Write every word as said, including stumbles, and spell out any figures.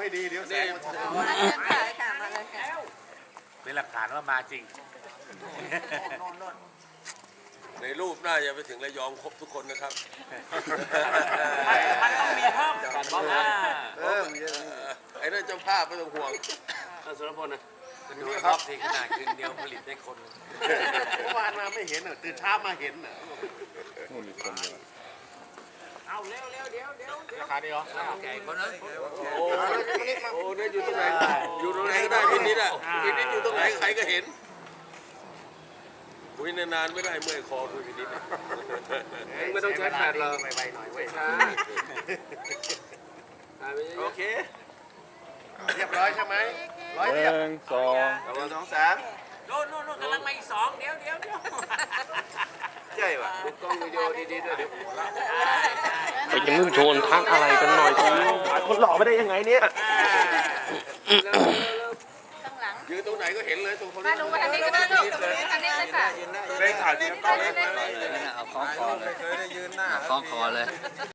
ให้ดีเดี๋ยวแสงมันจะมาเลยค่ะค่ะมาเลยค่ะเป็นหลักฐานว่ามาจริงในรูปน่าจะไปถึงระยองครบทุกคนนะครับมันต้องมีเพิ่มกันบ้างนะเออไอ้นั่นเจ้าภาพไม่ต้องห่วงสุรพลนะดูรอบที่ขนาดคืนเดียวผลิตได้คนเมื่อวานมาไม่เห็นอ่ะตื่นเช้ามาเห็นอ่ะเอาเร็วเร็วเดี๋ยวเดี๋ยวราคาดีเหรอแก่คนนั้นโอ้โหเนี่ยอยู่ตรงไหนอยู่ตรงไหนก็ได้พินิดอ่ะพินิดอยู่ตรงไหนใครก็เห็นคุยนานๆไม่ได้เมื่อยคอคุยพินิดไม่ต้องใช้แฟนเราไวๆหน่อยเว้ยโอเคเรียบร้อยใช่ไหมร้อยหเรียบนึ่งสองหนึ่งสองสามโน่นโน่นโน่นกำลังมาอีกสองเดี๋ยวเดี๋ยวเดี๋ยวใช่ป่ะดูกล้องวิดีโอดีๆด้วยเดี๋ยวไปยังไม่โชนทักอะไรกันหน่อยทีคนหล่อไม่ได้ยังไงเนี่ยข้างหลังยืนตรงไหนก็เห็นเลยตรงคนมาดูมาทางนี้ก็ได้ลูกทางนี้เลยค่ะได้ถ่ายทีละกล้องได้ได้ได้เอาคล้องคอเลยเคยได้ยืนหน้าเอาคล้องคอเลย